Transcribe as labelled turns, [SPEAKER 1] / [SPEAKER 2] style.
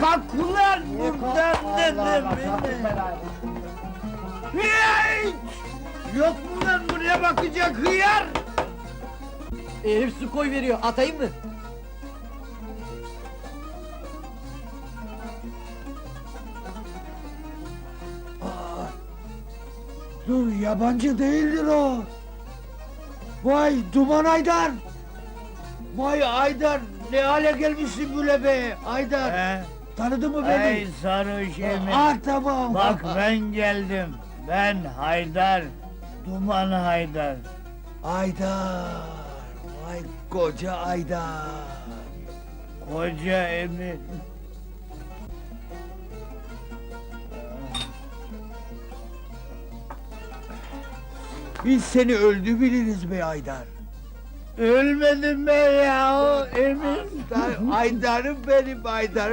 [SPEAKER 1] Kalk ulan buradan dedim beni. Hiç! Yok mu lan buraya bakacak hıyar?
[SPEAKER 2] Herif su koy veriyor, atayım mı?
[SPEAKER 1] Dur, yabancı değildir o. Vay Duman Aydar! Vay Aydar, ne hale gelmişsin böyle be Aydar! Tanıdın mı beni?
[SPEAKER 3] Ey sarhoş emin.
[SPEAKER 1] Tamam.
[SPEAKER 3] Bak ben geldim. Ben Haydar. Duman Haydar.
[SPEAKER 1] Aydar! Vay koca Aydar!
[SPEAKER 3] Koca emin.
[SPEAKER 1] Biz seni öldü biliriz be Aydar!
[SPEAKER 3] Ölmedim ben ya, emin.
[SPEAKER 1] Aydar'ım benim Aydar'ım!